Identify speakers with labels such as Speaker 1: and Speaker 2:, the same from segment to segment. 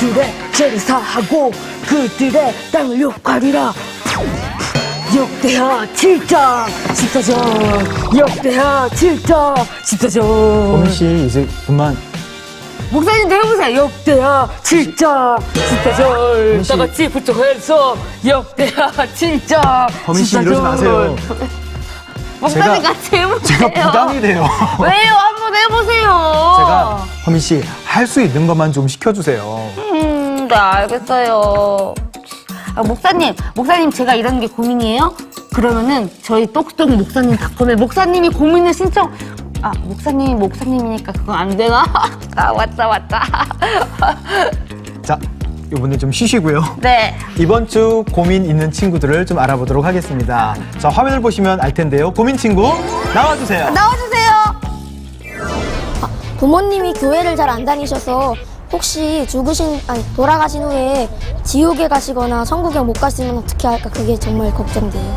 Speaker 1: 그들의 죄를 사하고 그들의 땅을 욕하리라. 역대하 7장 14절. 역대하 7장 14절.
Speaker 2: 범씨 이제 그만.
Speaker 1: 목사님도 해보세요. 역대하 7장 14절. 다 같이 부쩍해서 역대하 7장 14절.
Speaker 2: 범씨 이러지 마세요.
Speaker 1: 목사님 같이 해보세요.
Speaker 2: 제가 부담이 돼요.
Speaker 1: 왜요? 한번 해보세요.
Speaker 2: 제가 범씨 할 수 있는 것만 좀 시켜주세요.
Speaker 1: 네, 알겠어요. 목사님 제가 이런 게 고민이에요? 그러면은 저희 똑똑 목사님.com에 목사님이 고민을 신청. 목사님이니까 그건 안 되나? 왔다.
Speaker 2: 자, 이번에 좀 쉬시고요.
Speaker 1: 네.
Speaker 2: 이번 주 고민 있는 친구들을 좀 알아보도록 하겠습니다. 자, 화면을 보시면 알 텐데요. 고민 친구 나와주세요.
Speaker 3: 부모님이 교회를 잘 안 다니셔서 혹시 돌아가신 후에 지옥에 가시거나 천국에 못 가시면 어떻게 할까? 그게 정말 걱정돼요.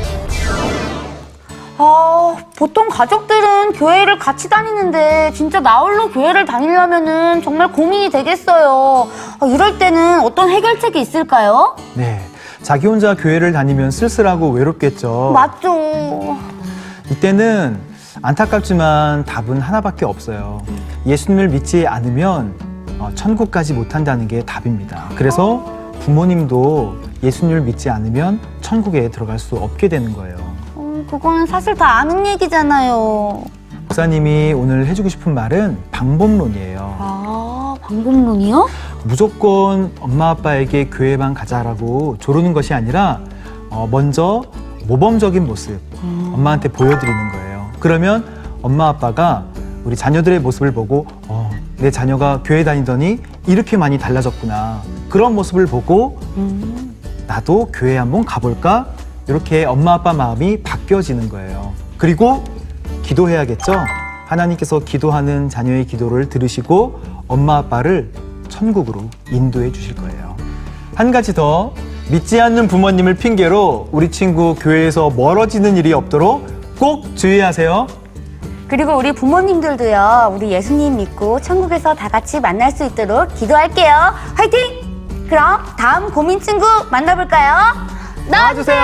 Speaker 4: 보통 가족들은 교회를 같이 다니는데 진짜 나 홀로 교회를 다니려면은 정말 고민이 되겠어요. 이럴 때는 어떤 해결책이 있을까요?
Speaker 2: 네, 자기 혼자 교회를 다니면 쓸쓸하고 외롭겠죠.
Speaker 4: 맞죠.
Speaker 2: 이때는 안타깝지만 답은 하나밖에 없어요. 예수님을 믿지 않으면 천국까지 못한다는 게 답입니다. 그래서 부모님도 예수님을 믿지 않으면 천국에 들어갈 수 없게 되는 거예요.
Speaker 4: 그건 사실 다 아는 얘기잖아요.
Speaker 2: 목사님이 오늘 해주고 싶은 말은 방법론이에요.
Speaker 4: 방법론이요?
Speaker 2: 무조건 엄마 아빠에게 교회만 가자라고 조르는 것이 아니라 먼저 모범적인 모습 엄마한테 보여드리는 거예요. 그러면 엄마 아빠가 우리 자녀들의 모습을 보고 내 자녀가 교회 다니더니 이렇게 많이 달라졌구나. 그런 모습을 보고 나도 교회 한번 가볼까? 이렇게 엄마 아빠 마음이 바뀌어지는 거예요. 그리고 기도해야겠죠? 하나님께서 기도하는 자녀의 기도를 들으시고 엄마 아빠를 천국으로 인도해 주실 거예요. 한 가지 더, 믿지 않는 부모님을 핑계로 우리 친구 교회에서 멀어지는 일이 없도록 꼭 주의하세요.
Speaker 4: 그리고 우리 부모님들도요, 우리 예수님 믿고 천국에서 다 같이 만날 수 있도록 기도할게요. 화이팅! 그럼 다음 고민 친구 만나볼까요? 나와주세요.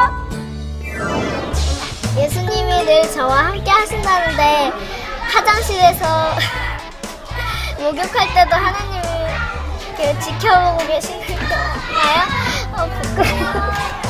Speaker 3: 예수님이 늘 저와 함께 하신다는데 화장실에서 목욕할 때도 하나님이 이렇게 지켜보고 계시는 건가요? 부끄러워.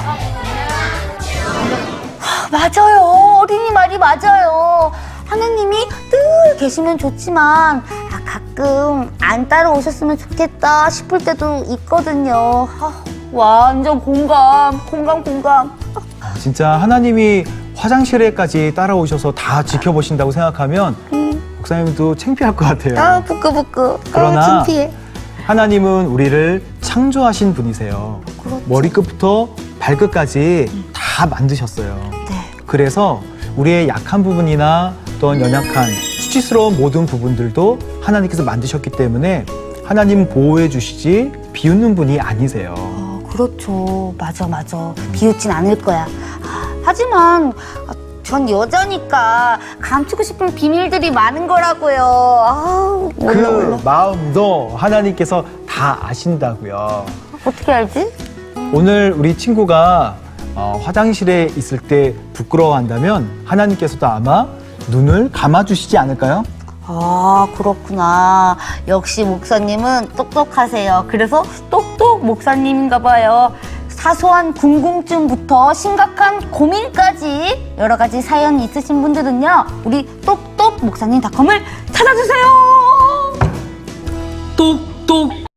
Speaker 4: 맞아요. 어린이 말이 맞아요. 하나님이 늘 계시면 좋지만 가끔 안 따라오셨으면 좋겠다 싶을 때도 있거든요. 완전 공감.
Speaker 2: 진짜 하나님이 화장실에까지 따라오셔서 다 지켜보신다고 생각하면 목사님도 창피할 것 같아요.
Speaker 4: 부끄부끄.
Speaker 2: 그러나
Speaker 4: 창피해.
Speaker 2: 하나님은 우리를 창조하신 분이세요.
Speaker 4: 그렇죠.
Speaker 2: 머리끝부터 발끝까지 다 만드셨어요.
Speaker 4: 네.
Speaker 2: 그래서 우리의 약한 부분이나 또는 연약한 수치스러운 모든 부분들도 하나님께서 만드셨기 때문에 하나님은 보호해 주시지 비웃는 분이 아니세요.
Speaker 4: 그렇죠. 맞아. 비웃진 않을 거야. 하지만 전 여자니까 감추고 싶은 비밀들이 많은 거라고요.
Speaker 2: 그 마음도 하나님께서 다 아신다고요.
Speaker 4: 어떻게 알지?
Speaker 2: 오늘 우리 친구가 화장실에 있을 때 부끄러워한다면 하나님께서도 아마 눈을 감아주시지 않을까요?
Speaker 4: 그렇구나. 역시 목사님은 똑똑하세요. 그래서 똑똑 목사님인가 봐요. 사소한 궁금증부터 심각한 고민까지 여러 가지 사연이 있으신 분들은요, 우리 똑똑 목사님.com을 찾아주세요.
Speaker 1: 똑똑